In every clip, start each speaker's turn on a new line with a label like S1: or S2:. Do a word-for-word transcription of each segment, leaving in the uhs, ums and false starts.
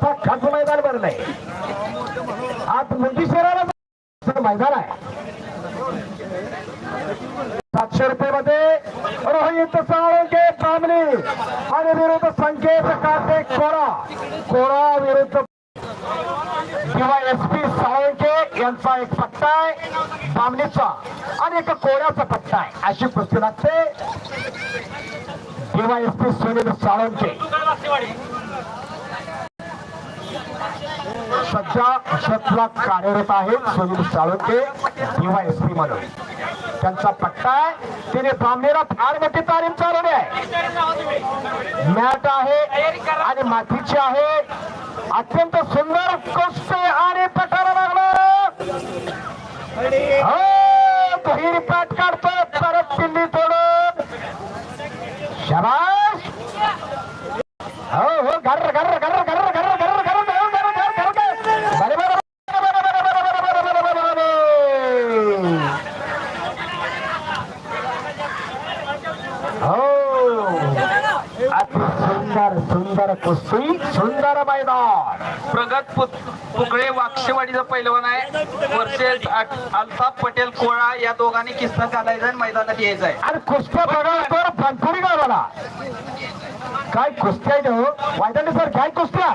S1: असा खास मैदान भरलंय. आज मुंजी शहराला मैदान आहे. सातशे रुपये मध्ये रोहित साळुंके बामणी आणि विरुद्ध संकेत काटे कोरा. कोरा विरुद्ध डीवायएसपी साळुंके यांचा एक पट्टा आहे, बामणीचा आणि एक कोऱ्याचा पट्टा आहे. अशी कुस्ती लागते. डीवायएसपी सुनील साळुंके सध्या क्षेत्राला कार्यरत आहेत. सुनील साळुंके डीवायएसपी म्हणून त्यांचा पट्टा आहे. तिने बामणीला फार मोठी तालीम चालवली आहे. मॅट आहे आणि मातीची आहे. अत्यंत सुंदर कुस्ती आणि पटाला लागलं. हो बहिर पाठ काढतो परत पिल्ली तोडून. शाबाश. हो हो घर घर घर घर घर घर घर सुंदर सुंदर कुस्ती सुंदर मैदान.
S2: प्रगत पुकळे वाक्षेवाडीचा पैलवान आहे. वर्सेस अल्ताफ पटेल कोळा या दोघांनी किस्सा घालायचा आणि मैदानात यायचं आहे.
S1: आणि कुस्त्या बघा तर भरपुरी गावाला काय कुस्त्या आहे वायदाने सर. काय कुस्त्या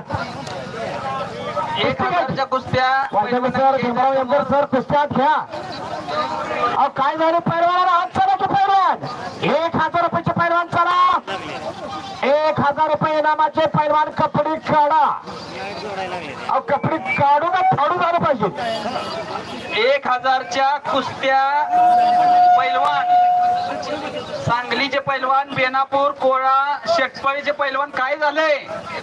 S2: एक हजारच्या कुस्त्या
S1: वायदाने सर भीमराव यंगर सर कुस्त्या घ्या. अहो काय झाले पैलवानाला हात चला की पैलवान. एक हजार रुपयाचे पैलवान चला. एक हजार रुपये इनामाचे पैलवान कपडे काढा. अहो कपडे काढू का फाडू झालं पाहिजे.
S2: एक हजारच्या कुस्त्या पैलवान सांगलीचे पैलवान, बेनापूर कोळा शेटपळीचे पैलवान. काय झालंय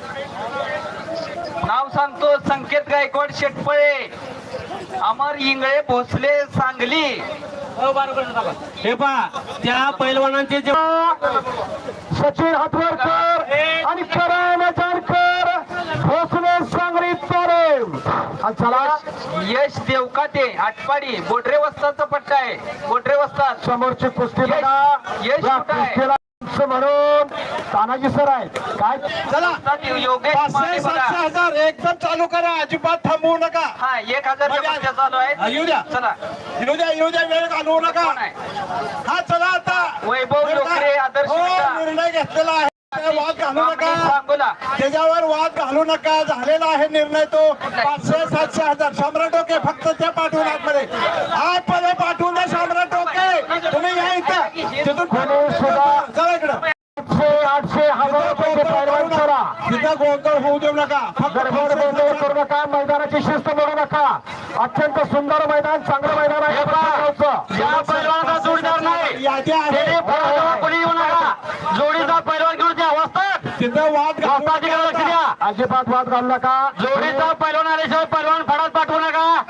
S2: नाव सांगतो. संकेत गायकवाड शेटपळे, अमर इंगळे भोसले सांगली.
S3: हे पहा त्या पैलवानांचे जे
S1: सचिन हातवरकर आणि करण जानकर भोसले सांगली तारेम. चला
S2: यश देवकाते आटपाडी बोटरे वस्ताचा पट्टा आहे. बोटरे वस्तात
S1: समोरची कुस्ती बघा.
S2: यश
S1: या
S2: कुठं आहे?
S1: कुस्तीला म्हणून तानाजी सर आहेत. काय
S3: चला
S2: योगेश माने बघा.
S3: सातशे हजार एकदम चालू करा. अजिबात थांबवू नका.
S2: हा एक हजारच्या कुस्त्या चालू
S3: हा,
S2: आहेत.
S3: येऊ द्या.
S2: चला
S3: येऊ द्या येऊ द्या वेळ घालवू नका.
S2: कोण आहे?
S3: हा चला आता
S2: वैभव लोकरे, आदर्श
S3: हो,
S2: विटा.
S3: निर्णय घेतलेला आहे. वाद घालू नका.
S2: सांगोला
S3: त्याच्यावर वाद घालू नका. झालेला आहे निर्णय तो. पाचशे सातशे हजार सम्राट ओके फक्त त्या पाठवून आतमध्ये आतमध्ये पाठवून द्या. सम्राट ओके तुम्ही या इथं तिथून
S1: कोणी सुद्धा
S3: चला इकडं.
S1: आठशे आठशे हजार रुपये पैलवान करा.
S3: तिथं गोंधळ होऊ देऊ नका.
S1: गडबड गोंधळ करू नका. मैदानाची शिस्त मोडू नका. अत्यंत सुंदर मैदान चांगलं मैदान आहे.
S2: या पैलवानाचा जोडीदार नाही.
S3: यादी आहे.
S2: कोणी येऊ नका. जोडीदार पैलवान घेऊन द्या अवस्थात.
S3: तिथं वाद घालू नका.
S1: अजिबात वाद घालू नका.
S2: जोडीदार पैलवान आल्याशिवाय पैलवान फडात पाठवू नका.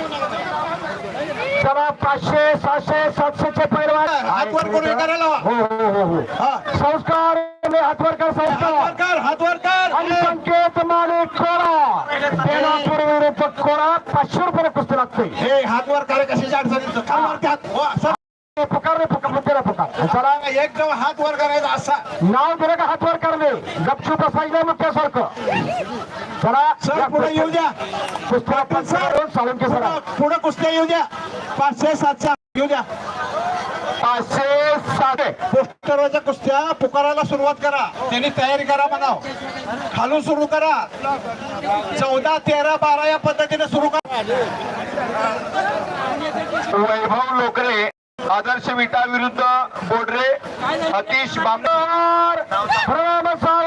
S1: चला पाचशे सहाशे सातशेचे पैलवान
S3: हातवर करून करायला लावा.
S1: हो हो हो हो
S3: हा.
S1: संस्कार हातवर कर संस्कार
S3: हातवर कर हातवर कर.
S1: आणि संकेत माने कोरा बेनापूर विरुद्ध कोरा. पाचशे रुपये कुस्ती लागते.
S3: हे हातवर कर कशाच्या अडचणीचं खालवरती हात. हो, असं
S1: पुकार रे पुकार मुद्देला पुकार. चला
S3: एक जण हात वर करायचा असा.
S1: नाव दिलं का हातवर करणे. गपचूप बसायचं मुख्यासारखं. चला
S3: सर पुढे येऊ द्या.
S1: कुस्त्या पंचावन्न साळुंके सर.
S3: पुढे कुस्त्या येऊ द्या. पाचशे सातशे येऊ द्या.
S1: पाचशे सात
S3: पोस्टरच्या कुस्त्या पुकारायला सुरुवात करा. त्यांनी तयारी करा म्हणाव. खालून सुरू करा. चौदा तेरा बारा या पद्धतीने सुरू करा.
S2: वैभव लोकरे, आदर्श विटा विरुद्ध बोडरे, अतिश बांबर.
S1: प्रणाम